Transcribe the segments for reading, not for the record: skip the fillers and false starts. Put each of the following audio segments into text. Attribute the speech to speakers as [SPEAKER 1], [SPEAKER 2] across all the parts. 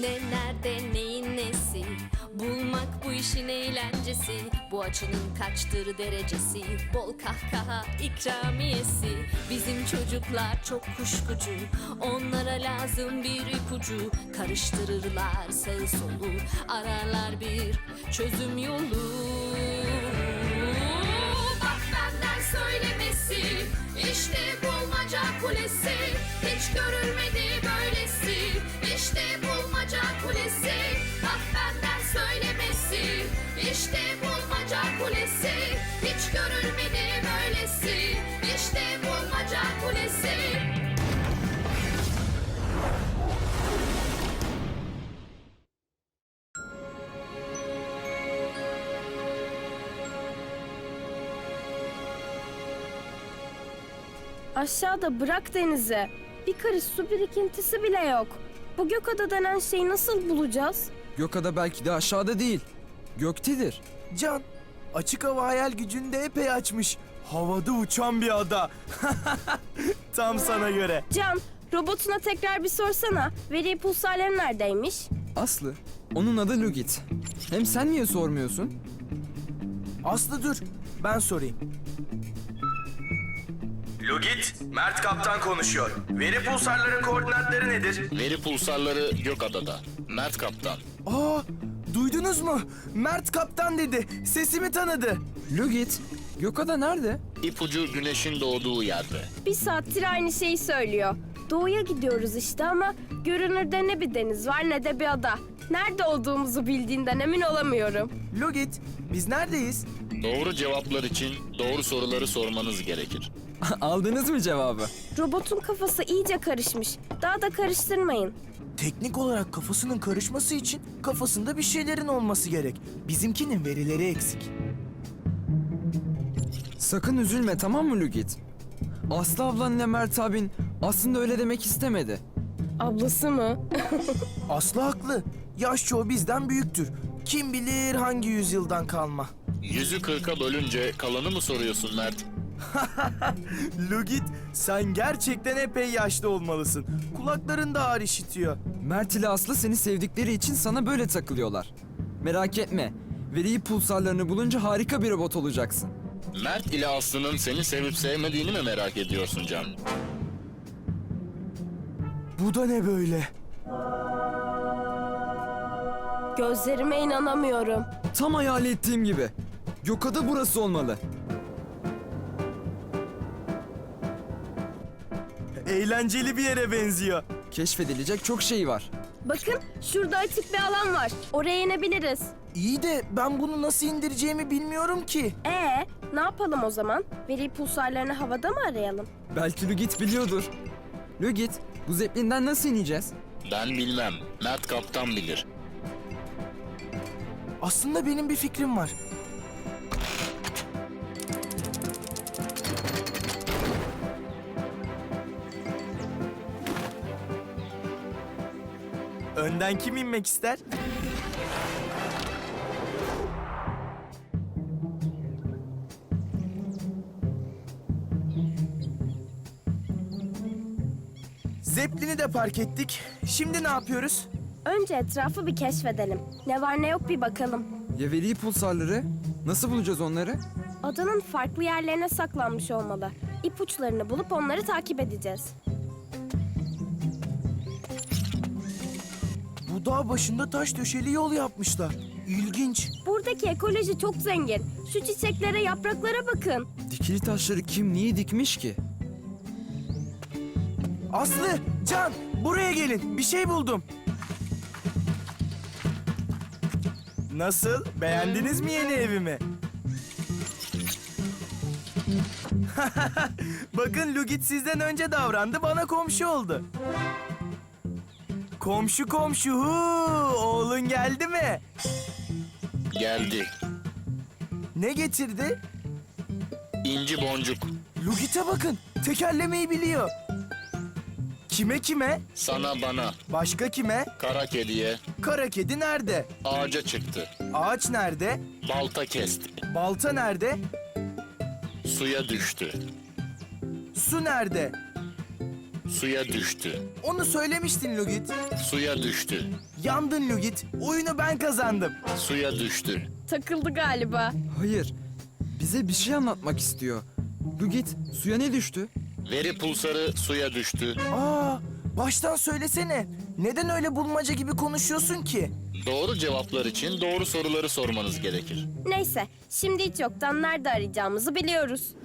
[SPEAKER 1] Ne nerede neyin nesi, bulmak bu işin eğlencesi. Bu açının kaçtır derecesi, bol kahkaha ikramiyesi. Bizim çocuklar çok kuşkucu, onlara lazım bir ipucu. Karıştırırlar sağı solu, ararlar bir çözüm yolu. Bak benden söylemesi, işte bulmaca kulesi. Hiç görülmedi böylesi, işte bulmaca kulesi. Bak benden söylemesi, işte bulmaca kulesi. Hiç görülmedi böylesi, işte bulmaca kulesi.
[SPEAKER 2] Aşağıda bırak denize. Bir karış su birikintisi bile yok. Bu Gökada denen şeyi nasıl bulacağız?
[SPEAKER 3] Gökada belki de aşağıda değil. Göktedir.
[SPEAKER 4] Can, açık hava hayal gücünü de epey açmış. Havada uçan bir ada. Tam sana göre.
[SPEAKER 2] Can, robotuna tekrar bir sorsana. Veri pulsarları neredeymiş?
[SPEAKER 3] Aslı, onun adı Lugit. Hem sen niye sormuyorsun?
[SPEAKER 4] Aslı dur, ben sorayım. Lugit, Mert Kaptan konuşuyor. Veri pulsarların koordinatları nedir?
[SPEAKER 5] Veri pulsarları Gökada'da. Mert Kaptan.
[SPEAKER 4] Aa, duydunuz mu? Mert Kaptan dedi. Sesimi tanıdı.
[SPEAKER 3] Lugit, Gökada nerede?
[SPEAKER 5] İpucu güneşin doğduğu yerde.
[SPEAKER 2] Bir saattir aynı şeyi söylüyor. Doğuya gidiyoruz işte ama görünürde ne bir deniz var ne de bir ada. Nerede olduğumuzu bildiğinden emin olamıyorum.
[SPEAKER 4] Lugit, biz neredeyiz?
[SPEAKER 5] Doğru cevaplar için doğru soruları sormanız gerekir.
[SPEAKER 3] Aldınız mı cevabı?
[SPEAKER 2] Robotun kafası iyice karışmış. Daha da karıştırmayın.
[SPEAKER 4] Teknik olarak kafasının karışması için kafasında bir şeylerin olması gerek. Bizimkinin verileri eksik.
[SPEAKER 3] Sakın üzülme, tamam mı Lugit? Aslı ablanla Mert abin aslında öyle demek istemedi.
[SPEAKER 2] Ablası mı?
[SPEAKER 4] Aslı haklı. Yaş çoğu bizden büyüktür. Kim bilir hangi yüzyıldan kalma.
[SPEAKER 5] 100'ü 40'a bölünce kalanı mı soruyorsun Mert?
[SPEAKER 4] Lugit, sen gerçekten epey yaşlı olmalısın. Kulakların da ağır işitiyor.
[SPEAKER 3] Mert ile Aslı seni sevdikleri için sana böyle takılıyorlar. Merak etme, veri pulsarlarını bulunca harika bir robot olacaksın.
[SPEAKER 5] Mert ile Aslı'nın seni sevip sevmediğini mi merak ediyorsun Can?
[SPEAKER 4] Bu da ne böyle?
[SPEAKER 2] Gözlerime inanamıyorum.
[SPEAKER 3] Tam hayal ettiğim gibi. Gökada burası olmalı.
[SPEAKER 4] Eğlenceli bir yere benziyor.
[SPEAKER 3] Keşfedilecek çok şey var.
[SPEAKER 2] Bakın şurada açık bir alan var. Oraya inebiliriz.
[SPEAKER 4] İyi de ben bunu nasıl indireceğimi bilmiyorum ki.
[SPEAKER 2] Ne yapalım o zaman? Veri pulsarlarını havada mı arayalım?
[SPEAKER 3] Belki Lugit biliyordur. Lugit, bu zeplinden nasıl ineceğiz?
[SPEAKER 5] Ben bilmem. Mert Kaptan bilir.
[SPEAKER 4] Aslında benim bir fikrim var. Önden kim inmek ister? Zeppelin'i de park ettik. Şimdi ne yapıyoruz?
[SPEAKER 2] Önce etrafı bir keşfedelim. Ne var ne yok bir bakalım.
[SPEAKER 3] Ya veri pulsarları? Nasıl bulacağız onları?
[SPEAKER 2] Adanın farklı yerlerine saklanmış olmalı. İpuçlarını bulup onları takip edeceğiz.
[SPEAKER 4] Bu dağ başında taş döşeli yol yapmışlar. İlginç.
[SPEAKER 2] Buradaki ekoloji çok zengin. Şu çiçeklere, yapraklara bakın.
[SPEAKER 3] Dikili taşları kim niye dikmiş ki?
[SPEAKER 4] Aslı, Can, buraya gelin. Bir şey buldum. Nasıl? Beğendiniz mi yeni evimi? Bakın Lugit sizden önce davrandı, bana komşu oldu. Komşu komşu, oğlun geldi mi?
[SPEAKER 5] Geldi.
[SPEAKER 4] Ne getirdi?
[SPEAKER 5] İnci boncuk.
[SPEAKER 4] Lugit'e bakın, tekerlemeyi biliyor. Kime kime?
[SPEAKER 5] Sana bana.
[SPEAKER 4] Başka kime?
[SPEAKER 5] Kara kediye.
[SPEAKER 4] Kara kedi nerede?
[SPEAKER 5] Ağaca çıktı.
[SPEAKER 4] Ağaç nerede?
[SPEAKER 5] Balta kesti.
[SPEAKER 4] Balta nerede?
[SPEAKER 5] Suya düştü.
[SPEAKER 4] Su nerede?
[SPEAKER 5] suya düştü.
[SPEAKER 4] Onu söylemiştin Lugit.
[SPEAKER 5] Suya düştü.
[SPEAKER 4] Yandın Lugit. Oyunu ben kazandım.
[SPEAKER 5] Suya düştü.
[SPEAKER 2] Takıldı galiba.
[SPEAKER 3] Hayır. Bize bir şey anlatmak istiyor. Lugit, suya ne düştü?
[SPEAKER 5] Veri pulsarı suya düştü.
[SPEAKER 4] Aa, baştan söylesene. Neden öyle bulmaca gibi konuşuyorsun ki?
[SPEAKER 5] Doğru cevaplar için doğru soruları sormanız gerekir.
[SPEAKER 2] Neyse, şimdi hiç yoktan nerede arayacağımızı biliyoruz.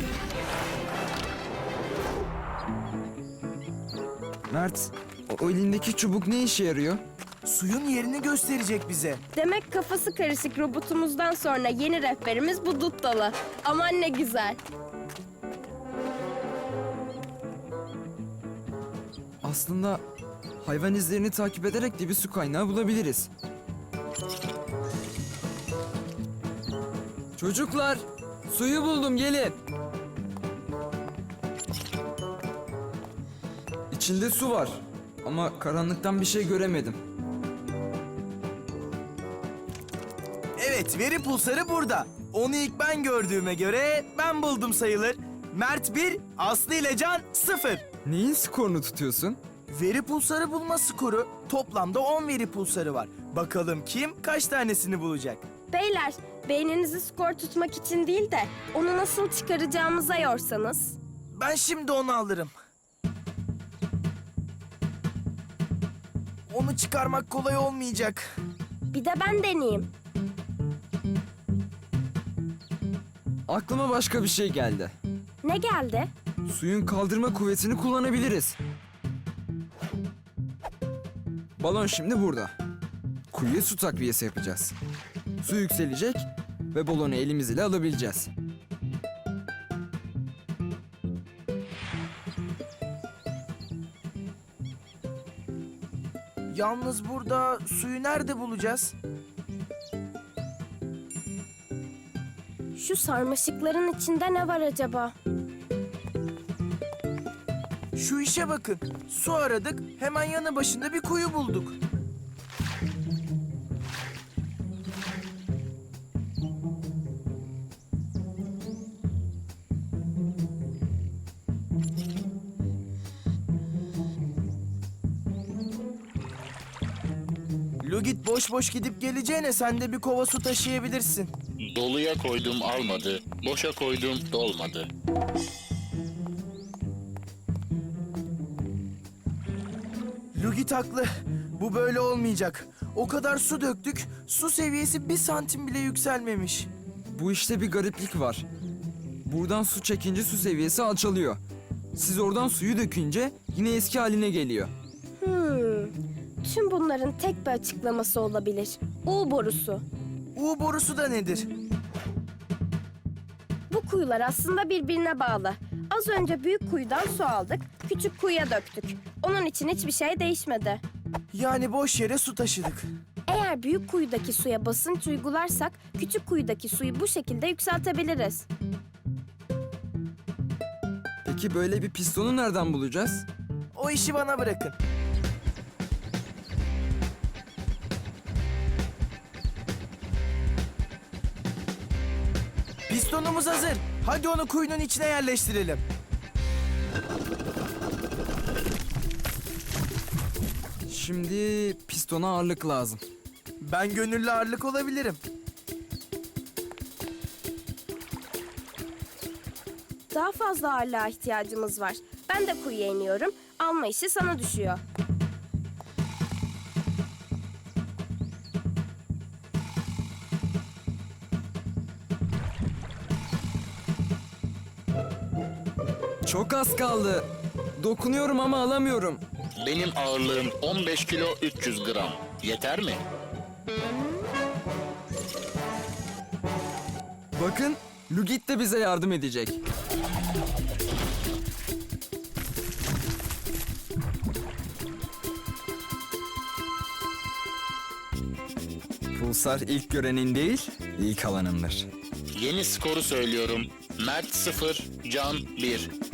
[SPEAKER 3] Mert, o elindeki çubuk ne işe yarıyor?
[SPEAKER 4] Suyun yerini gösterecek bize.
[SPEAKER 2] Demek kafası karışık robotumuzdan sonra yeni rehberimiz bu dut dalı. Aman ne güzel.
[SPEAKER 3] Aslında hayvan izlerini takip ederek de bir su kaynağı bulabiliriz. Çocuklar, suyu buldum, gelin. İçinde su var ama karanlıktan bir şey göremedim.
[SPEAKER 4] Evet, veri pulsarı burada. Onu ilk ben gördüğüme göre ben buldum sayılır. Mert 1, Aslı ile Can 0.
[SPEAKER 3] Neyin skorunu tutuyorsun?
[SPEAKER 4] Veri pulsarı bulma skoru. Toplamda 10 veri pulsarı var. Bakalım kim kaç tanesini bulacak?
[SPEAKER 2] Beyler, beyninizi skor tutmak için değil de onu nasıl çıkaracağımıza yorsanız.
[SPEAKER 4] Ben şimdi onu alırım. Onu çıkarmak kolay olmayacak.
[SPEAKER 2] Bir de ben deneyeyim.
[SPEAKER 3] Aklıma başka bir şey geldi.
[SPEAKER 2] Ne geldi?
[SPEAKER 3] Suyun kaldırma kuvvetini kullanabiliriz. Balon şimdi burada. Kuyuya su takviyesi yapacağız. Su yükselecek ve balonu elimiz ile alabileceğiz.
[SPEAKER 4] Yalnız burada suyu nerede bulacağız?
[SPEAKER 2] Şu sarmaşıkların içinde ne var acaba?
[SPEAKER 4] Şu işe bakın. Su aradık, hemen yanı başında bir kuyu bulduk. Lugit boş boş gidip geleceğine sen de bir kova su taşıyabilirsin.
[SPEAKER 5] Doluya koydum almadı, boşa koydum dolmadı.
[SPEAKER 4] Lugit haklı. Bu böyle olmayacak. O kadar su döktük, su seviyesi 1 santim bile yükselmemiş.
[SPEAKER 3] Bu işte bir gariplik var. Buradan su çekince su seviyesi alçalıyor. Siz oradan suyu dökünce yine eski haline geliyor.
[SPEAKER 2] Tüm bunların tek bir açıklaması olabilir. U borusu.
[SPEAKER 4] U borusu da nedir?
[SPEAKER 2] Bu kuyular aslında birbirine bağlı. Az önce büyük kuyudan su aldık, küçük kuyuya döktük. Onun için hiçbir şey değişmedi.
[SPEAKER 4] Yani boş yere su taşıdık.
[SPEAKER 2] Eğer büyük kuyudaki suya basınç uygularsak, küçük kuyudaki suyu bu şekilde yükseltebiliriz.
[SPEAKER 3] Peki böyle bir pistonu nereden bulacağız?
[SPEAKER 4] O işi bana bırakın. Pistonumuz hazır. Hadi onu kuyunun içine yerleştirelim.
[SPEAKER 3] Şimdi pistona ağırlık lazım.
[SPEAKER 4] Ben gönüllü ağırlık olabilirim.
[SPEAKER 2] Daha fazla ağırlığa ihtiyacımız var. Ben de kuyuya iniyorum. Alma işi sana düşüyor.
[SPEAKER 3] Çok az kaldı. Dokunuyorum ama alamıyorum.
[SPEAKER 5] Benim ağırlığım 15 kilo 300 gram. Yeter mi?
[SPEAKER 3] Bakın, Lugit de bize yardım edecek. Pulsar ilk görenin değil, ilk alanındır.
[SPEAKER 5] Yeni skoru söylüyorum. Mert 0, Can 1.